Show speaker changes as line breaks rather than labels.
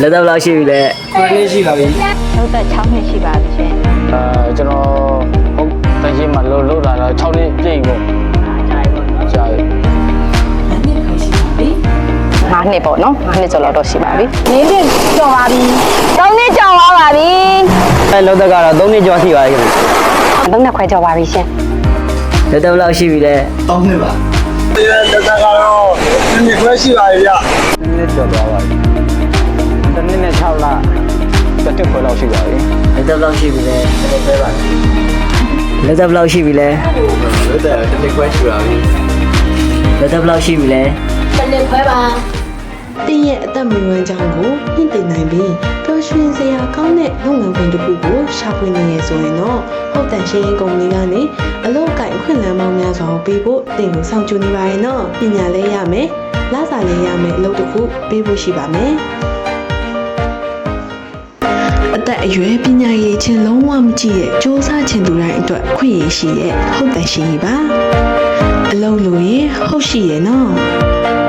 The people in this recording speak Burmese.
လက်သက်ဘယ်လောက်ရှိပြီလဲ
9နှစ်ရှိပါပြီ
ဟုတ်သက်6နှစ်ရှိပါပြီရှင်
ကျွန်တော်ဟုတ်တန်ရှင်းမှာလို့လာတော့6နှစ်ပြည့်ပြီပေါ့ကြာပြီ
5နှစ်ပေါ့နော်5နှစ်ကျော်လောက်တော့ရှိပါပြီ4နှစ်ကျော်ပါပြီ3နှစ်ကျော်ပါပါပြီ
လက်သက်ကတော့3နှစ်ကျော်ရှိပါပြီခင်ဗျ
3နှစ်ခွဲကျော်ပါပြီရှင်
လက်သက်ဘယ်လောက်ရှိပြီလဲ
3နှစ်ပါလက်သက်ကတော့နှစ်ခွဲရှိပါပြီဗျ
နှစ်ကျော်သွားပါပြီတစ်နှစ်နဲ့6လတစ်ခွဲလောက်ရှိပါပြီ
လက်သက်ဘယ်လောက်ရှိပြီလဲလက်သက်ဘယ်လောက်ရှိပြီလဲ
လက်သက်တစ်ခွဲရှိပါပြီ
လက်သက်ဘယ်လောက်ရှိပြီလဲ
တင်းရဲ့အသက်မွေးဝမ်းကြောင်းကိုမြင့်တင်နိုင်ပြီးပျော်ရွှင်စရာကောင်းတဲ့လုပ်ငန်းခွင်တစ်ခုကိုရှာဖွေနေရဆိုရင်တော့ဟုတ်တန်ရှင်းရေးကုမ္ပဏီကနေအလုပ်အကိုင်အခွင့်အလမ်းပေါင်းများစွာကိုပေးဖို့တင်ကိုစောင့်ကြိုနေပါရဲ့နော်ပညာလည်းရမယ်လစာလည်းရမယ်အလုပ်တစ်ခုပေးဖို့ရှိပါမယ်အသက်အရွယ်ပညာရေးချင်းလုံးဝမကြည့်ရဲ့စ조사ချင်သူတိုင်းအတွက်ခွင့်ရရှိရဲ့ဟုတ်တန်ရှင်းရေးပါအလုပ်လို့ရင်ဟုတ်ရှိရဲ့နော်